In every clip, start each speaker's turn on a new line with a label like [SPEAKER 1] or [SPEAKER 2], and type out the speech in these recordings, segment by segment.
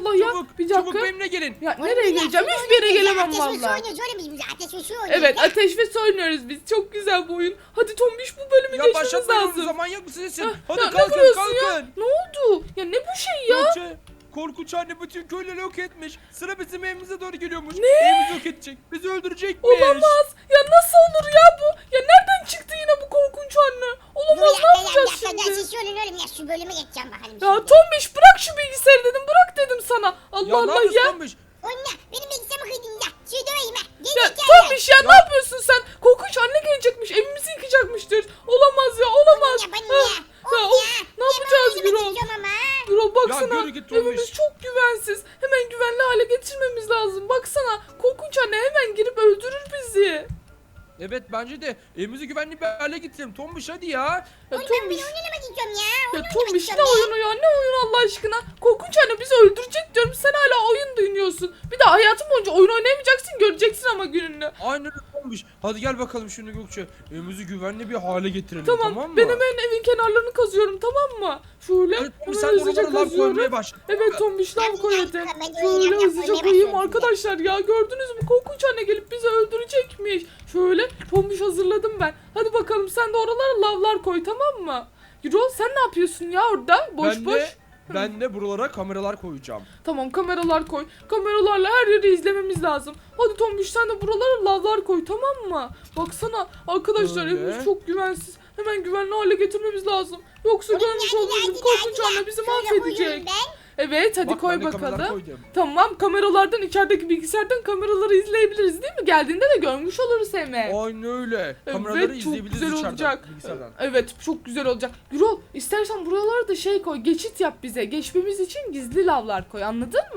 [SPEAKER 1] Allah ya.
[SPEAKER 2] Çabuk,
[SPEAKER 1] Bir
[SPEAKER 2] çabuk
[SPEAKER 1] dakika.
[SPEAKER 2] benimle gelin.
[SPEAKER 1] Ya nereye geleceğim? Hiçbir yere gelemem
[SPEAKER 3] Ateş ve su
[SPEAKER 1] vallahi.
[SPEAKER 3] oynuyoruz oğlum biz burada. Ateş ve su oynuyoruz.
[SPEAKER 1] Evet,
[SPEAKER 3] ya.
[SPEAKER 1] ateş ve su oynuyoruz biz. Çok güzel bu oyun. Hadi Tombiş, bu bölümü
[SPEAKER 2] Ya
[SPEAKER 1] geçmemiz
[SPEAKER 2] başlatmayın
[SPEAKER 1] lazım.
[SPEAKER 2] zaman yok musun? Hadi
[SPEAKER 1] Ya ne
[SPEAKER 2] kalkın
[SPEAKER 1] vuruyorsun ya?
[SPEAKER 2] kalkın.
[SPEAKER 1] Ne oldu? Ya ne bu şey ya?
[SPEAKER 2] Gökçe, korkunç anne bütün köyleri yok etmiş. Sıra bizim evimize doğru geliyormuş. Evimizi yok edecek. Bizi öldürecekmiş.
[SPEAKER 1] Olamaz. Ya nasıl olur ya bu? Ya nereden çıktı yine bu korkunç anne? Olamaz, ne yapacağız şimdi?
[SPEAKER 3] Ateş su oynayalım oğlum ya. Şu bölüme geçeceğim bakalım.
[SPEAKER 1] Ya
[SPEAKER 3] şimdi.
[SPEAKER 1] Tombiş, bırak şu bilgisayarı dedim. Bırak dedim sana. Allah
[SPEAKER 2] Ya ne
[SPEAKER 1] Allah
[SPEAKER 2] yapıyorsun
[SPEAKER 1] ya.
[SPEAKER 2] Tombiş?
[SPEAKER 3] Anne benim bilgisayarımı kıydın ya. Şu döveyim ha. Gel
[SPEAKER 1] Ya
[SPEAKER 3] gel.
[SPEAKER 1] Tombiş ya, ne yapıyorsun sen? Korkunç anne gelecekmiş. Evimizi yıkacakmıştır. Olamaz ya, olamaz.
[SPEAKER 3] Ya ben
[SPEAKER 1] Ha,
[SPEAKER 3] ya.
[SPEAKER 1] ya, of, ne yapacağız Gürol? Gürol baksana,
[SPEAKER 2] yürü git Tombiş.
[SPEAKER 1] evimiz çok güvensiz. Hemen güvenli hale getirmemiz lazım. Baksana, korkunç anne hemen girip öldürür bizi.
[SPEAKER 2] Evet bence de evimizi güvenli bir hale getirelim. Tombiş hadi ya.
[SPEAKER 1] Ya
[SPEAKER 3] Ben bir
[SPEAKER 1] Tombiş,
[SPEAKER 3] oynamak istiyorum ya.
[SPEAKER 1] ya
[SPEAKER 3] Oynamak
[SPEAKER 1] Tombiş ne
[SPEAKER 3] istiyorum ya.
[SPEAKER 1] oyunu ya? Ne oyun Allah aşkına? Korkunç anne bizi öldürecek diyorum. Sen hala oyun dinliyorsun. Bir de hayatın boyunca oyun oynayamayacaksın. Göreceksin ama gününü.
[SPEAKER 2] Aynen öyle Tombiş. Hadi gel bakalım şimdi Gökçe. Evimizi güvenli bir hale getirelim
[SPEAKER 1] Tamam,
[SPEAKER 2] mı?
[SPEAKER 1] ben hemen evin kenarlarını kazıyorum, tamam mı? Şöyle
[SPEAKER 2] Evet, Tombiş,
[SPEAKER 1] hemen
[SPEAKER 2] sen
[SPEAKER 1] hızlıca
[SPEAKER 2] oralara lav
[SPEAKER 1] kazıyorum.
[SPEAKER 2] koymaya başla.
[SPEAKER 1] Evet Tombiş, lav
[SPEAKER 3] Ben
[SPEAKER 1] koy
[SPEAKER 3] de
[SPEAKER 1] hadi.
[SPEAKER 3] yaptım, ben de
[SPEAKER 1] Şöyle
[SPEAKER 3] yapmaya
[SPEAKER 1] hızlıca
[SPEAKER 3] başladım
[SPEAKER 1] koyayım
[SPEAKER 3] bile.
[SPEAKER 1] arkadaşlar ya, gördünüz mü? Korkunç anne gelip bizi öldürecekmiş. Şöyle Tombiş hazırladım ben. Hadi bakalım, sen de oralara lavlar koy, tamam mı? Gürol, sen ne yapıyorsun ya orada? Boş
[SPEAKER 2] Ben
[SPEAKER 1] boş.
[SPEAKER 2] ben de buralara kameralar koyacağım.
[SPEAKER 1] Tamam, kameralar koy. Kameralarla her yeri izlememiz lazım. Hadi Tombiş, sen de buralara lavlar koy, tamam mı? Baksana arkadaşlar,
[SPEAKER 2] Öyle.
[SPEAKER 1] evimiz çok güvensiz. Hemen güvenli hale getirmemiz lazım. Yoksa görmüş olduğunuz gibi korkunç anne bizi mahvedecek. Evet, hadi
[SPEAKER 2] Bak,
[SPEAKER 1] koy
[SPEAKER 2] ben de kameralar
[SPEAKER 1] bakalım.
[SPEAKER 2] koydum.
[SPEAKER 1] Tamam, kameralardan, içerideki bilgisayardan kameraları izleyebiliriz değil mi? Geldiğinde de görmüş oluruz hemen.
[SPEAKER 2] Aynen öyle. Kameraları
[SPEAKER 1] Evet, çok
[SPEAKER 2] izleyebiliriz
[SPEAKER 1] güzel
[SPEAKER 2] içeriden,
[SPEAKER 1] olacak.
[SPEAKER 2] bilgisayardan.
[SPEAKER 1] Evet, çok güzel olacak. Gürol, istersen buralara da şey koy, geçit yap bize. Geçmemiz için gizli lavlar koy, anladın mı?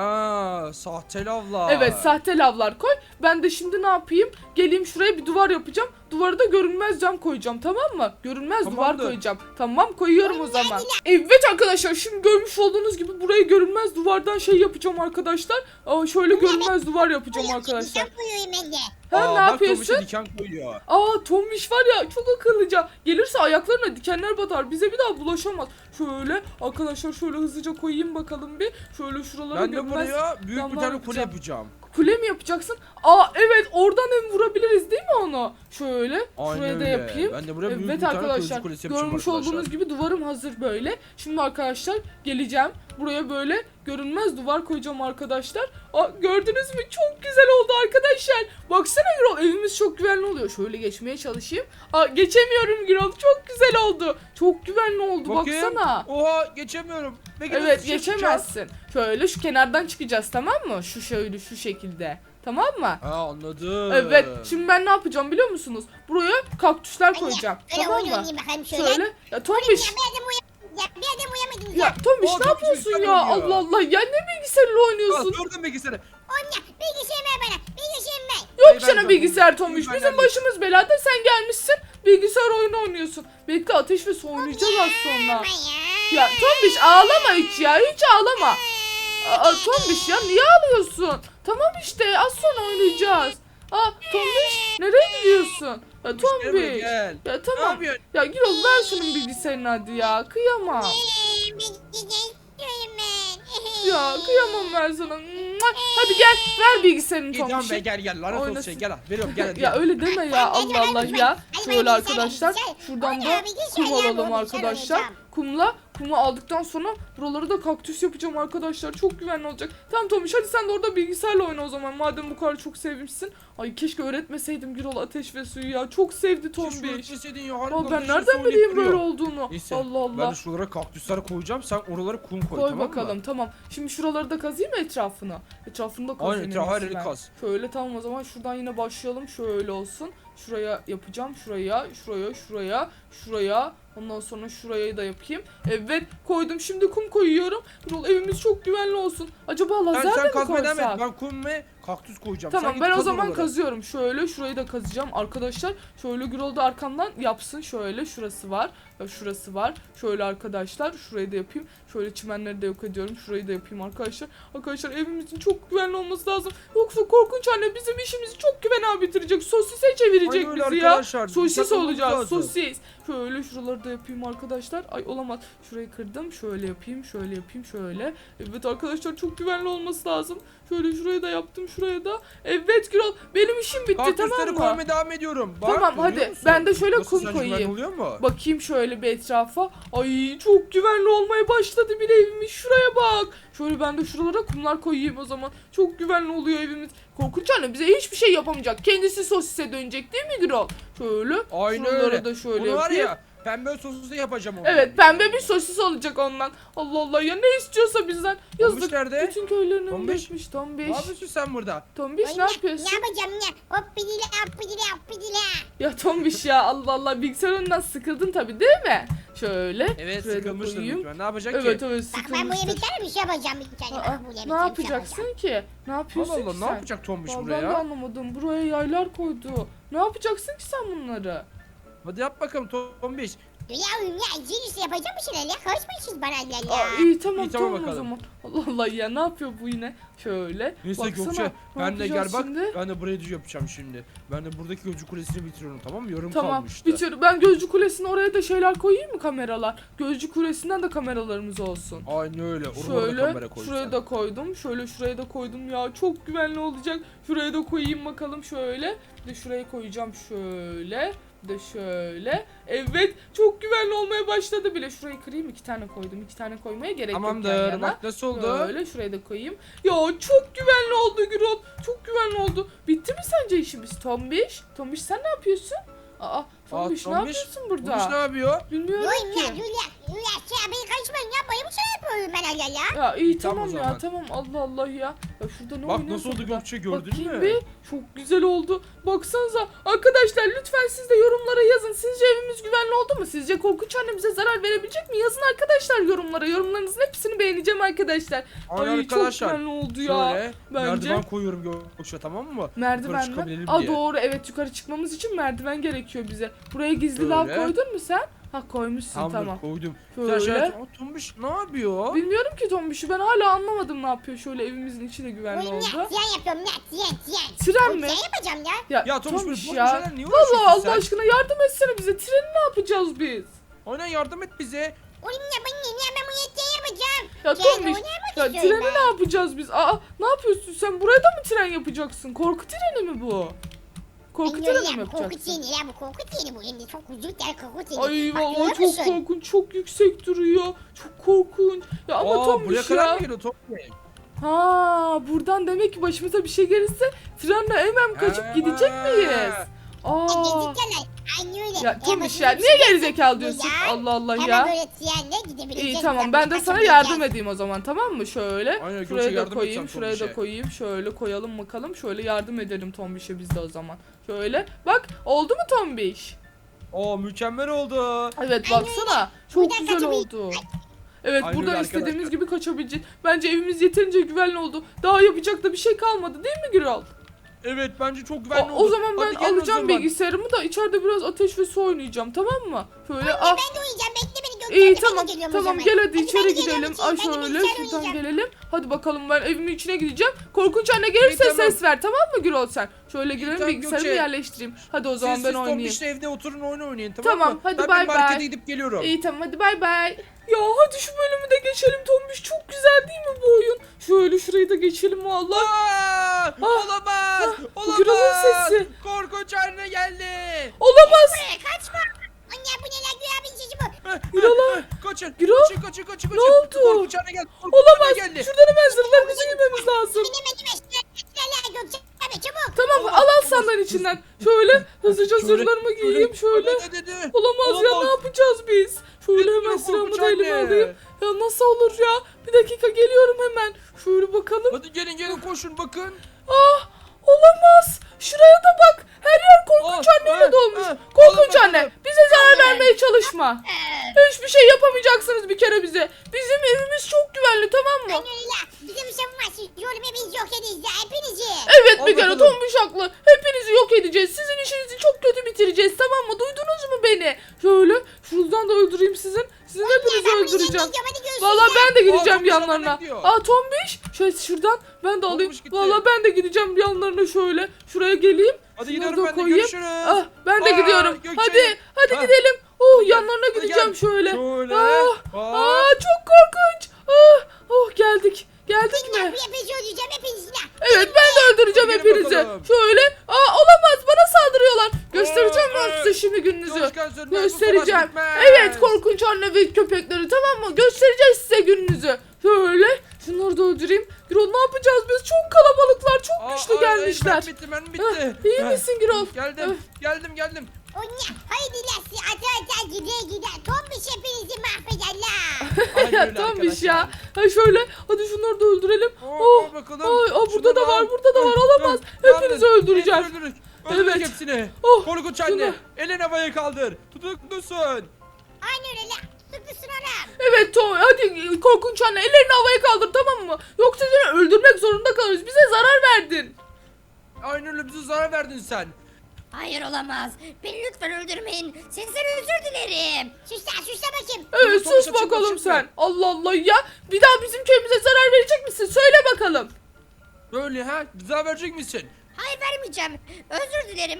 [SPEAKER 2] Ha, sahte lavlar.
[SPEAKER 1] Evet, sahte lavlar koy. Ben de şimdi ne yapayım? Geleyim şuraya bir duvar yapacağım. Duvara da görünmez cam koyacağım, tamam mı? Görünmez duvar
[SPEAKER 2] Tamamdır.
[SPEAKER 1] koyacağım. Tamam, koyuyorum o zaman. Evet arkadaşlar, şimdi görmüş olduğunuz gibi burayı görünmez duvardan şey yapacağım arkadaşlar. Şöyle görünmez duvar yapacağım arkadaşlar.
[SPEAKER 3] Diken koyuyorum ben de.
[SPEAKER 1] Ha, ne
[SPEAKER 2] Bak
[SPEAKER 1] yapıyorsun?
[SPEAKER 2] Tombiş'e diken koyuyor.
[SPEAKER 1] Tombiş var ya, çok akıllıca. Gelirse ayaklarına dikenler batar. Bize bir daha bulaşamaz. Şöyle arkadaşlar, şöyle hızlıca koyayım bakalım bir. Şöyle şuralara
[SPEAKER 2] Ben de
[SPEAKER 1] görünmez
[SPEAKER 2] buraya büyük bir
[SPEAKER 1] lamlar
[SPEAKER 2] tane kule
[SPEAKER 1] yapacağım.
[SPEAKER 2] yapacağım.
[SPEAKER 1] Kule mi yapacaksın? Evet, oradan hem vurabiliriz değil mi onu? Şöyle
[SPEAKER 2] Aynen
[SPEAKER 1] şuraya da
[SPEAKER 2] öyle.
[SPEAKER 1] yapayım.
[SPEAKER 2] Ben de buraya büyük
[SPEAKER 1] Evet
[SPEAKER 2] bir tane
[SPEAKER 1] arkadaşlar,
[SPEAKER 2] kılıcı kulesi yapacağım
[SPEAKER 1] görmüş
[SPEAKER 2] arkadaşlar.
[SPEAKER 1] olduğunuz gibi duvarım hazır böyle. Şimdi arkadaşlar geleceğim. Buraya böyle görünmez duvar koyacağım arkadaşlar. Gördünüz mü? Çok güzel oldu arkadaşlar. Baksana Gürol, evimiz çok güvenli oluyor. Şöyle geçmeye çalışayım. Geçemiyorum Gürol. Çok güzel oldu. Çok güvenli oldu,
[SPEAKER 2] Bakayım.
[SPEAKER 1] baksana.
[SPEAKER 2] Oha, geçemiyorum. Peki nasıl
[SPEAKER 1] Evet,
[SPEAKER 2] dışarı çıkacağız?
[SPEAKER 1] geçemezsin. Şöyle şu kenardan çıkacağız, tamam mı? Şöyle şu şekilde. Tamam mı?
[SPEAKER 2] Ha, anladım.
[SPEAKER 1] Evet. Şimdi ben ne yapacağım biliyor musunuz? Buraya kaktüsler koyacağım.
[SPEAKER 3] Öyle
[SPEAKER 1] Tamam
[SPEAKER 3] oyun
[SPEAKER 1] mı?
[SPEAKER 3] oynayayım bakalım şöyle.
[SPEAKER 1] Şöyle. Ya
[SPEAKER 3] Oğlum
[SPEAKER 1] Tombiş.
[SPEAKER 3] ya bir adam uyamadım ya.
[SPEAKER 1] Ya Tombiş,
[SPEAKER 2] Aa,
[SPEAKER 1] ne
[SPEAKER 2] Tombiş
[SPEAKER 1] yapıyorsun
[SPEAKER 2] bilgisayar
[SPEAKER 1] ya?
[SPEAKER 2] oynuyor.
[SPEAKER 1] Allah Allah. Ya ne bilgisayarla oynuyorsun?
[SPEAKER 2] Gördün bilgisayarı.
[SPEAKER 3] Oğlum ya bilgisayarı ver bana. Bilgisayarı ver.
[SPEAKER 1] Yok
[SPEAKER 2] Ben
[SPEAKER 1] sana
[SPEAKER 2] de-
[SPEAKER 1] bilgisayar Tombiş.
[SPEAKER 2] ben
[SPEAKER 1] Bizim
[SPEAKER 2] de-
[SPEAKER 1] başımız belada, sen gelmişsin. Bilgisayar oyunu oynuyorsun. Bekle, ateş ve su oynayacağız az sonra.
[SPEAKER 3] Ama ya.
[SPEAKER 1] Ya Tombiş, ağlama hiç ya. Hiç ağlama. Tombiş ya, niye ağlıyorsun? Tamam işte, az sonra oynayacağız. Tombiş, nereye gidiyorsun? Ya
[SPEAKER 2] Gel buraya,
[SPEAKER 1] Tombiş.
[SPEAKER 2] gel.
[SPEAKER 1] Ya
[SPEAKER 2] Ne
[SPEAKER 1] tamam.
[SPEAKER 2] yapıyorsun?
[SPEAKER 1] Ya Gürol, ver şunun bilgisayarını hadi ya. Kıyamam.
[SPEAKER 3] Bilgisayarı istiyorum ben.
[SPEAKER 1] Ya kıyamam ben sana. Hadi gel, ver bilgisayarını
[SPEAKER 2] Git lan be,
[SPEAKER 1] Tombiş'e.
[SPEAKER 2] gel lanet olsun
[SPEAKER 1] Oynasın.
[SPEAKER 2] şey, gel al. Veriyorum, gel hadi.
[SPEAKER 1] Ya öyle deme ya, Allah Allah ya. Şöyle arkadaşlar, şuradan da kum alalım arkadaşlar. Kumu aldıktan sonra buraları da kaktüs yapacağım arkadaşlar. Çok güvenli olacak. Tamam Tomiş, hadi sen de orada bilgisayarla oyna o zaman. Madem bu kadar çok sevmişsin. Ay keşke öğretmeseydim Gürol ateş ve suyu ya. Çok sevdi Tombiş.
[SPEAKER 2] Tombiş. Ya,
[SPEAKER 1] Ben nereden bileyim böyle olduğunu?
[SPEAKER 2] Neyse,
[SPEAKER 1] Allah Allah.
[SPEAKER 2] ben de şuralara kaktüsler koyacağım. Sen oralara kum koy,
[SPEAKER 1] Koy
[SPEAKER 2] tamam
[SPEAKER 1] bakalım,
[SPEAKER 2] mı?
[SPEAKER 1] tamam. Şimdi şuraları da kazıyım mı etrafını? Etrafını da kazıyım.
[SPEAKER 2] Aynen, etrafı her yeri
[SPEAKER 1] ben.
[SPEAKER 2] kaz.
[SPEAKER 1] Şöyle, tamam o zaman şuradan yine başlayalım. Şöyle olsun. Şuraya yapacağım. Şuraya. Ondan sonra şurayı da yapayım. Evet, koydum. Şimdi kum koyuyorum. Gürol, evimiz çok güvenli olsun. Acaba lazer de
[SPEAKER 2] Sen
[SPEAKER 1] mi
[SPEAKER 2] kazmaya devam et.
[SPEAKER 1] koysak?
[SPEAKER 2] Ben kum ve kaktüs koyacağım.
[SPEAKER 1] Tamam
[SPEAKER 2] Sen
[SPEAKER 1] ben
[SPEAKER 2] git
[SPEAKER 1] o
[SPEAKER 2] kaz
[SPEAKER 1] zaman
[SPEAKER 2] oraları.
[SPEAKER 1] kazıyorum. Şöyle şurayı da kazacağım arkadaşlar. Şöyle Gürol da arkamdan yapsın. Şöyle şurası var. Şurası var. Şöyle arkadaşlar şurayı da yapayım. Şöyle çimenleri de yok ediyorum. Şurayı da yapayım arkadaşlar. Arkadaşlar evimizin çok güvenli olması lazım. Yoksa korkunç anne bizim işimizi çok güvenli bitirecek. Sosise çevirecek
[SPEAKER 2] Aynen öyle
[SPEAKER 1] bizi ya.
[SPEAKER 2] arkadaşlar.
[SPEAKER 1] Sosis
[SPEAKER 2] Dikkatli olmamız
[SPEAKER 1] olacağız.
[SPEAKER 2] lazım.
[SPEAKER 1] Sosis. Şöyle şuraları da yapayım arkadaşlar. Ay olamaz. Şurayı kırdım. Şöyle yapayım. Şöyle yapayım. Şöyle. Evet arkadaşlar çok güvenli olması lazım. Şöyle şurayı da yaptım. Şuraya da. Evet Gürol. Benim işim bitti
[SPEAKER 2] Kaktüsleri
[SPEAKER 1] tamam mı?
[SPEAKER 2] koymaya devam ediyorum. Bak,
[SPEAKER 1] Tamam
[SPEAKER 2] görüyor
[SPEAKER 1] hadi.
[SPEAKER 2] musun?
[SPEAKER 1] Ben de şöyle
[SPEAKER 2] Nasıl,
[SPEAKER 1] kum
[SPEAKER 2] sence güvenli
[SPEAKER 1] koyayım.
[SPEAKER 2] oluyor mu?
[SPEAKER 1] Bakayım şöyle bir etrafa. Ay çok güvenli olmaya başladı bile evimiz. Şuraya bak. Şöyle ben de şuralara kumlar koyayım o zaman. Çok güvenli oluyor evimiz. Korkunç anne bize hiçbir şey yapamayacak. Kendisi sosise dönecek değil mi Gürol? Şöyle.
[SPEAKER 2] Aynen
[SPEAKER 1] şuraları
[SPEAKER 2] öyle.
[SPEAKER 1] da şöyle
[SPEAKER 2] Bunu var
[SPEAKER 1] yapayım.
[SPEAKER 2] ya pembe sosisi yapacağım onu.
[SPEAKER 1] Evet pembe bir sosis olacak ondan. Allah Allah ya ne istiyorsa bizden. Yazık.
[SPEAKER 2] nerede?
[SPEAKER 1] Bütün köylerin önünde
[SPEAKER 2] Tombiş.
[SPEAKER 1] etmiş
[SPEAKER 2] Ne
[SPEAKER 1] Tombiş.
[SPEAKER 2] yapıyorsun sen burada?
[SPEAKER 1] Tombiş
[SPEAKER 3] Ay,
[SPEAKER 1] ne yapıyorsun?
[SPEAKER 3] Ne yapacağım ne? Hop bidile hop bidile.
[SPEAKER 1] Ya Tombiş ya Allah Allah bilgisayar önünden sıkıldın tabii değil mi? Şöyle.
[SPEAKER 2] Evet
[SPEAKER 1] şuraya da
[SPEAKER 2] sıkılmıştır
[SPEAKER 1] koyayım.
[SPEAKER 2] lütfen. Ne yapacak
[SPEAKER 1] Evet
[SPEAKER 2] ki?
[SPEAKER 1] evet
[SPEAKER 3] Bak ben buraya bir
[SPEAKER 1] sıkılmıştır.
[SPEAKER 3] tane bir şey yapacağım bir tane.
[SPEAKER 1] Aa,
[SPEAKER 3] Bak, buraya bir
[SPEAKER 1] ne
[SPEAKER 3] tane bir şey
[SPEAKER 1] yapacaksın
[SPEAKER 3] yapacağım.
[SPEAKER 1] ki? Ne yapıyorsun
[SPEAKER 2] Allah Allah
[SPEAKER 1] ki
[SPEAKER 2] ne
[SPEAKER 1] sen?
[SPEAKER 2] yapacak Tombiş
[SPEAKER 1] Vallahi
[SPEAKER 2] buraya
[SPEAKER 1] ben de
[SPEAKER 2] ya?
[SPEAKER 1] anlamadım. Buraya yaylar koydu. Ne yapacaksın ki sen bunları?
[SPEAKER 2] Hadi yap bakalım Tombiş.
[SPEAKER 3] Yavrum ya cinsi yapacağım bir şeyler ya. Karışmayın bana ya.
[SPEAKER 1] Aa, iyi tamam
[SPEAKER 2] İyi, tamam
[SPEAKER 1] tamam o
[SPEAKER 2] bakalım.
[SPEAKER 1] zaman. Allah Allah ya ne yapıyor bu yine? Şöyle.
[SPEAKER 2] Neyse
[SPEAKER 1] Baksana,
[SPEAKER 2] Gökçe
[SPEAKER 1] ne
[SPEAKER 2] ben de gel
[SPEAKER 1] yapacağız
[SPEAKER 2] bak
[SPEAKER 1] şimdi?
[SPEAKER 2] ben de buraya düz yapacağım şimdi. Ben de buradaki gözcü kulesini bitiriyorum tamam mı? Yarım
[SPEAKER 1] Tamam
[SPEAKER 2] kalmıştı.
[SPEAKER 1] bitiyor. Ben Gözcü Kulesi'ne oraya da şeyler koyayım mı kameralar? Gözcü Kulesi'nden de kameralarımız olsun.
[SPEAKER 2] Aynen öyle. Oraya da kamera
[SPEAKER 1] Şöyle
[SPEAKER 2] koy
[SPEAKER 1] şuraya
[SPEAKER 2] sen.
[SPEAKER 1] da koydum. Şöyle şuraya da koydum ya. Çok güvenli olacak. Şuraya da koyayım bakalım şöyle. Bir de şuraya koyacağım şöyle. Bir de şöyle. Evet çok güvenli olmaya başladı bile. Şurayı kırayım 2 tane koydum. 2 tane koymaya gerek yok yan
[SPEAKER 2] Tamamdır.
[SPEAKER 1] yana.
[SPEAKER 2] Bak nasıl oldu?
[SPEAKER 1] Böyle şuraya da koyayım. Ya çok güvenli oldu Gürol. Çok güvenli oldu. Bitti mi sence işimiz Tombiş? Tombiş sen ne yapıyorsun? Aa Tombiş ne
[SPEAKER 2] Tombiş,
[SPEAKER 1] yapıyorsun
[SPEAKER 2] Tombiş ne
[SPEAKER 1] burada?
[SPEAKER 2] yapıyor?
[SPEAKER 1] Bilmiyorum
[SPEAKER 3] Dur ya
[SPEAKER 1] ki.
[SPEAKER 3] dur ya. Dur ya şey beni karışmayın ya. Böyle bir şey yapıyorum ben hala ya.
[SPEAKER 1] Ya iyi
[SPEAKER 2] Tamam
[SPEAKER 1] tamam
[SPEAKER 2] o
[SPEAKER 1] ya
[SPEAKER 2] zaman.
[SPEAKER 1] tamam Allah Allah ya. Ya şurada ne
[SPEAKER 2] Bak
[SPEAKER 1] oynuyorsa
[SPEAKER 2] nasıl oldu
[SPEAKER 1] burada.
[SPEAKER 2] Gökçe, gördün
[SPEAKER 1] Bakayım
[SPEAKER 2] mü?
[SPEAKER 1] bir. Çok güzel oldu. Baksanıza arkadaşlar lütfen siz de yorumlara yazın. Sizce evimiz güvenli oldu mu? Sizce korkunç annemize zarar verebilecek mi? Yazın arkadaşlar yorumlara. Yorumlarınızın hepsini beğeneceğim arkadaşlar.
[SPEAKER 2] Aynen
[SPEAKER 1] Ay
[SPEAKER 2] arkadaşlar.
[SPEAKER 1] çok güvenli oldu ya.
[SPEAKER 2] Şöyle
[SPEAKER 1] bence.
[SPEAKER 2] merdiven koyuyorum Gökçe tamam mı? Yukarı
[SPEAKER 1] Merdiven mi?
[SPEAKER 2] çıkabilelim
[SPEAKER 1] Aa
[SPEAKER 2] diye.
[SPEAKER 1] doğru evet yukarı çıkmamız için merdiven gerekiyor bize. Buraya gizli lav
[SPEAKER 2] Şöyle.
[SPEAKER 1] koydun mu sen? Ha koymuşsun
[SPEAKER 2] Tamamdır
[SPEAKER 1] tamam.
[SPEAKER 2] koydum.
[SPEAKER 1] Şöyle.
[SPEAKER 2] Sen şöyle Tombiş ne yapıyor?
[SPEAKER 1] Bilmiyorum ki Tombiş'i ben hala anlamadım ne yapıyor. Şöyle evimizin içi de güvenli
[SPEAKER 3] Oğlum ya
[SPEAKER 1] oldu.
[SPEAKER 3] tiyan yapıyorum ya tiyan.
[SPEAKER 1] Tren
[SPEAKER 3] Oğlum,
[SPEAKER 1] mi?
[SPEAKER 3] tiyan yapacağım ya.
[SPEAKER 2] Ya Tombiş böyle
[SPEAKER 1] Tombiş
[SPEAKER 2] boş
[SPEAKER 1] ya.
[SPEAKER 2] şeyler niye
[SPEAKER 1] Allah
[SPEAKER 2] uğraşıyorsun
[SPEAKER 1] Allah
[SPEAKER 2] sen?
[SPEAKER 1] aşkına yardım etsene bize. Treni ne yapacağız biz?
[SPEAKER 2] Aynen yardım et bize.
[SPEAKER 3] Oğlum ya ben bunu tiyan yapacağım.
[SPEAKER 1] Ya
[SPEAKER 3] Tiyan
[SPEAKER 1] Tombiş
[SPEAKER 3] oynamak
[SPEAKER 1] ya
[SPEAKER 3] istiyorum
[SPEAKER 1] treni
[SPEAKER 3] ben.
[SPEAKER 1] ne yapacağız biz? Aa ne yapıyorsun sen? Buraya da mı tren yapacaksın? Korku treni mi bu? Korku
[SPEAKER 3] Ben
[SPEAKER 1] treni
[SPEAKER 3] öyle
[SPEAKER 1] mi
[SPEAKER 3] ya, bu korku
[SPEAKER 1] yapacaksın?
[SPEAKER 3] treni ya bu korku treni bu. Şimdi çok uzun der korku treni.
[SPEAKER 1] Ay
[SPEAKER 3] Bak,
[SPEAKER 1] vallahi
[SPEAKER 3] görüyor
[SPEAKER 1] çok
[SPEAKER 3] musun?
[SPEAKER 1] korkunç, çok yüksek duruyor. Çok korkunç. Ya ama
[SPEAKER 2] Aa buraya
[SPEAKER 1] Tombiş
[SPEAKER 2] kadar
[SPEAKER 1] ya.
[SPEAKER 2] mı geliyor Tombiş?
[SPEAKER 1] Ha buradan demek ki başımıza bir şey gelirse trenle hemen kaçıp
[SPEAKER 2] Ha.
[SPEAKER 1] gidecek miyiz? Aa.
[SPEAKER 3] Gezecekler. Aynen öyle.
[SPEAKER 1] Ya Tombiş
[SPEAKER 3] başına
[SPEAKER 1] ya
[SPEAKER 3] bir
[SPEAKER 1] niye
[SPEAKER 3] şey
[SPEAKER 1] gerizekalı
[SPEAKER 3] gelirse
[SPEAKER 1] diyorsun?
[SPEAKER 3] ya,
[SPEAKER 1] Allah Allah
[SPEAKER 3] hemen
[SPEAKER 1] ya.
[SPEAKER 3] böyle trenle gidebileceğiz.
[SPEAKER 1] İyi tamam
[SPEAKER 3] Biz
[SPEAKER 1] ben de
[SPEAKER 3] başka
[SPEAKER 1] sana
[SPEAKER 3] bir
[SPEAKER 1] yardım
[SPEAKER 3] yer-
[SPEAKER 1] edeyim o zaman tamam mı? Şöyle
[SPEAKER 2] Aynen, Gökçe
[SPEAKER 1] şuraya da
[SPEAKER 2] yardım
[SPEAKER 1] koyayım
[SPEAKER 2] edeceğim
[SPEAKER 1] şuraya da
[SPEAKER 2] Tombiş'e.
[SPEAKER 1] koyayım şöyle koyalım bakalım şöyle yardım edelim Tombiş'e biz de o zaman. Şöyle bak oldu mu Tombiş?
[SPEAKER 2] Oo mükemmel oldu.
[SPEAKER 1] Evet
[SPEAKER 3] Aynen
[SPEAKER 1] baksana çok
[SPEAKER 3] Buradan
[SPEAKER 1] güzel
[SPEAKER 3] kaçabil-
[SPEAKER 1] oldu. Evet
[SPEAKER 2] Aynen
[SPEAKER 1] buradan
[SPEAKER 2] öyle
[SPEAKER 1] istediğimiz
[SPEAKER 2] arkadaşlar.
[SPEAKER 1] gibi kaçabileceğiz. Bence evimiz yeterince güvenli oldu. Daha yapacak da bir şey kalmadı değil mi Gürol?
[SPEAKER 2] Evet bence çok güvenli
[SPEAKER 1] O
[SPEAKER 2] oldu.
[SPEAKER 1] zaman ben
[SPEAKER 2] Hadi gelin o
[SPEAKER 1] alacağım
[SPEAKER 2] zaman.
[SPEAKER 1] bilgisayarımı da içeride biraz ateş ve su oynayacağım tamam mı? Şöyle
[SPEAKER 3] Anne
[SPEAKER 1] ah.
[SPEAKER 3] ben de oynayacağım. Bekle beni Gökçe.
[SPEAKER 1] İyi
[SPEAKER 3] ben de
[SPEAKER 1] tamam
[SPEAKER 3] geliyorum o
[SPEAKER 1] tamam
[SPEAKER 3] zaman.
[SPEAKER 1] gel hadi
[SPEAKER 3] ben
[SPEAKER 1] içeri
[SPEAKER 3] de geliyorum
[SPEAKER 1] gidelim.
[SPEAKER 3] içeri,
[SPEAKER 1] Ay
[SPEAKER 3] ben de
[SPEAKER 1] şöyle
[SPEAKER 3] bilgisayar
[SPEAKER 1] şuradan
[SPEAKER 3] oynayacağım.
[SPEAKER 1] gelelim. Hadi bakalım ben evimin içine gideceğim. Korkunç anne gelirse
[SPEAKER 2] İyi, tamam.
[SPEAKER 1] ses ver tamam mı Gürol sen? Şöyle girelim
[SPEAKER 2] tamam,
[SPEAKER 1] bilgisayarımı
[SPEAKER 2] Gökçe.
[SPEAKER 1] yerleştireyim. Hadi o zaman
[SPEAKER 2] Siz
[SPEAKER 1] ben oynayayım.
[SPEAKER 2] Tombiş'le evde oturun oyun oynayın tamam mı?
[SPEAKER 1] Tamam, hadi
[SPEAKER 2] ben
[SPEAKER 1] bay
[SPEAKER 2] bir markete
[SPEAKER 1] bay.
[SPEAKER 2] gidip geliyorum.
[SPEAKER 1] İyi tamam hadi bay bay. Ya hadi şu bölümü de geçelim Tombiş. Çok güzel değil mi bu oyun? Şöyle şurayı da geçelim vallahi.
[SPEAKER 2] Aa, olamaz.
[SPEAKER 1] bu Gürol'un
[SPEAKER 2] Olamaz.
[SPEAKER 1] sesi.
[SPEAKER 2] Korkunç anne geldi.
[SPEAKER 1] Olamaz.
[SPEAKER 3] Buraya kaçma. Anne bu ne lan Güya abinin sesi bu.
[SPEAKER 1] Gürol'a.
[SPEAKER 2] Kaçın.
[SPEAKER 1] Gürol?
[SPEAKER 2] Kaçın.
[SPEAKER 1] Ne oldu?
[SPEAKER 2] Korkunç anne geldi. Korkunç
[SPEAKER 1] Olamaz.
[SPEAKER 2] anne geldi.
[SPEAKER 1] Şuradan hemen zırhlarımızı giymemiz lazım.
[SPEAKER 3] Binemedim eşyalarla Gökçe abi çabuk.
[SPEAKER 1] Tamam al sandalın içinden. Şöyle hızlıca zırhlarımı giyeyim şöyle.
[SPEAKER 2] Dedi.
[SPEAKER 1] Olamaz ya ne yapacağız biz? Şöyle hemen
[SPEAKER 2] Bilmiyorum,
[SPEAKER 1] silahımı
[SPEAKER 2] korkunç
[SPEAKER 1] da elime
[SPEAKER 2] anne.
[SPEAKER 1] alayım. Ya nasıl olur ya? Bir dakika geliyorum hemen. Şöyle bakalım.
[SPEAKER 2] Hadi gelin koşun bakın.
[SPEAKER 1] Ah olamaz. Şuraya da bak. Her yer korkunç anneyle dolmuş. Korkunç anne bize zarar vermeye çalışma. Hiçbir şey yapamayacaksınız bir kere bize. Bizim evimiz çok güvenli tamam mı?
[SPEAKER 3] Anne öyle. Bizim savunma siz oğlum hepinizi yok edeceğiz ya hepinizi.
[SPEAKER 1] Evet
[SPEAKER 2] Al
[SPEAKER 1] bir kere
[SPEAKER 2] bakalım.
[SPEAKER 1] Tombiş haklı. Hepinizi yok edeceğiz. Sizin işinizi çok kötü bitireceğiz, tamam mı? Duydunuz mu beni? Şöyle şuradan da öldüreyim sizin. Sizin hepinizi öldüreceğim. Valla ben de gideceğim
[SPEAKER 2] Tombiş
[SPEAKER 1] yanlarına.
[SPEAKER 2] yanına gidiyor.
[SPEAKER 1] Tombiş. Şöyle şuradan ben de alayım.
[SPEAKER 2] Tombiş gitti.
[SPEAKER 1] Valla ben de gideceğim yanlarına şöyle. Şuraya geleyim.
[SPEAKER 2] Hadi
[SPEAKER 1] Şunları
[SPEAKER 2] gidelim
[SPEAKER 1] da
[SPEAKER 2] ben de,
[SPEAKER 1] koyayım.
[SPEAKER 2] görüşürüz.
[SPEAKER 1] Ben de
[SPEAKER 2] Aa,
[SPEAKER 1] gidiyorum.
[SPEAKER 2] Gökçe.
[SPEAKER 1] Hadi
[SPEAKER 2] Ha.
[SPEAKER 1] gidelim.
[SPEAKER 2] Hadi gel,
[SPEAKER 1] Yanlarına
[SPEAKER 2] hadi
[SPEAKER 1] gideceğim
[SPEAKER 2] gel.
[SPEAKER 1] şöyle.
[SPEAKER 2] Şöyle.
[SPEAKER 1] Çok korkunç. Geldik. Geldik mi?
[SPEAKER 3] Hepinizi öldüreceğim hepinizi.
[SPEAKER 1] Evet ben de öldüreceğim
[SPEAKER 2] Hadi
[SPEAKER 1] hepinizi.
[SPEAKER 2] gelin bakalım.
[SPEAKER 1] Şöyle. Olamaz, bana saldırıyorlar. Göstereceğim ben size şimdi gününüzü.
[SPEAKER 2] Çalışkan sönmez, bu
[SPEAKER 1] Göstereceğim.
[SPEAKER 2] savaş bitmez.
[SPEAKER 1] Evet korkunç anne ve köpekleri, tamam mı? Göstereceğiz size gününüzü. Şöyle. Şunları da öldüreyim. Gürol ne yapacağız biz? Çok kalabalıklar. Çok güçlü gelmişler.
[SPEAKER 2] Ben bitti.
[SPEAKER 1] İyi misin Gürol?
[SPEAKER 2] Geldim.
[SPEAKER 3] O ne? Haydi lassi ata gider. Tombiş hepinizi mahvederler.
[SPEAKER 2] Aynen
[SPEAKER 1] Ya
[SPEAKER 2] öyle
[SPEAKER 1] Tombiş
[SPEAKER 2] arkadaşlar.
[SPEAKER 1] ya. Şöyle. Hadi şunları da öldürelim.
[SPEAKER 2] Bakalım.
[SPEAKER 1] Burada
[SPEAKER 2] Şunları
[SPEAKER 1] da var.
[SPEAKER 2] al.
[SPEAKER 1] Burada da var. Olamaz. Hepinizi öldüreceğim.
[SPEAKER 2] Öldürürük
[SPEAKER 1] Evet.
[SPEAKER 2] hepsini.
[SPEAKER 1] Oh,
[SPEAKER 2] Korkunç
[SPEAKER 1] şunu-
[SPEAKER 2] anne. Elini havaya kaldır. Tutuklusun.
[SPEAKER 3] Aynen öyle la. Tutuklusun oğlum.
[SPEAKER 1] Evet Tom, hadi korkunç anne ellerini havaya kaldır, tamam mı? Yoksa seni öldürmek zorunda kalırız. Bize zarar verdin.
[SPEAKER 2] Aynen öyle, bize zarar verdin sen.
[SPEAKER 4] Hayır olamaz. Beni lütfen öldürmeyin. Sizden özür dilerim.
[SPEAKER 3] Sus la bakayım.
[SPEAKER 1] Evet
[SPEAKER 2] Tombiş,
[SPEAKER 1] sus
[SPEAKER 2] açıkla,
[SPEAKER 1] bakalım
[SPEAKER 2] açıkla.
[SPEAKER 1] sen. Allah Allah ya. Bir daha bizim köyümüze zarar verecek misin? Söyle bakalım.
[SPEAKER 2] Böyle ha? Zarar verecek misin?
[SPEAKER 4] Hayır vermeyeceğim. Özür dilerim.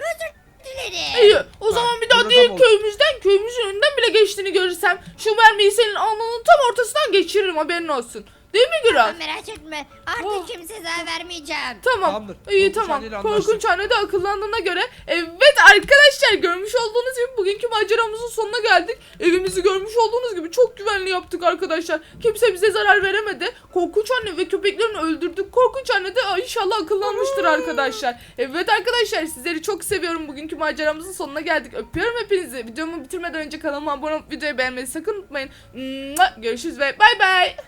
[SPEAKER 1] İyi o zaman bir daha
[SPEAKER 2] burada
[SPEAKER 1] değil
[SPEAKER 2] tam ol.
[SPEAKER 1] köyümüzün önünden bile geçtiğini görürsem şu mermiyi senin alnının tam ortasından geçiririm, haberin olsun. Değil mi Güral?
[SPEAKER 4] Sen merak etme. Artık
[SPEAKER 1] Oh.
[SPEAKER 4] kimseye zarar vermeyeceğim.
[SPEAKER 1] Tamam.
[SPEAKER 2] Tamamdır.
[SPEAKER 1] İyi
[SPEAKER 2] Korkunç
[SPEAKER 1] tamam.
[SPEAKER 2] anneyle anlaştık.
[SPEAKER 1] Korkunç anne de akıllandığına göre. Evet arkadaşlar, görmüş olduğunuz gibi bugünkü maceramızın sonuna geldik. Evimizi görmüş olduğunuz gibi çok güvenli yaptık arkadaşlar. Kimse bize zarar veremedi. Korkunç anne ve köpeklerini öldürdük. Korkunç anne de inşallah akıllanmıştır arkadaşlar. Evet arkadaşlar, sizleri çok seviyorum. Bugünkü maceramızın sonuna geldik. Öpüyorum hepinizi. Videomu bitirmeden önce kanalıma abone olup videoyu beğenmeyi sakın unutmayın. Görüşürüz ve bay bay.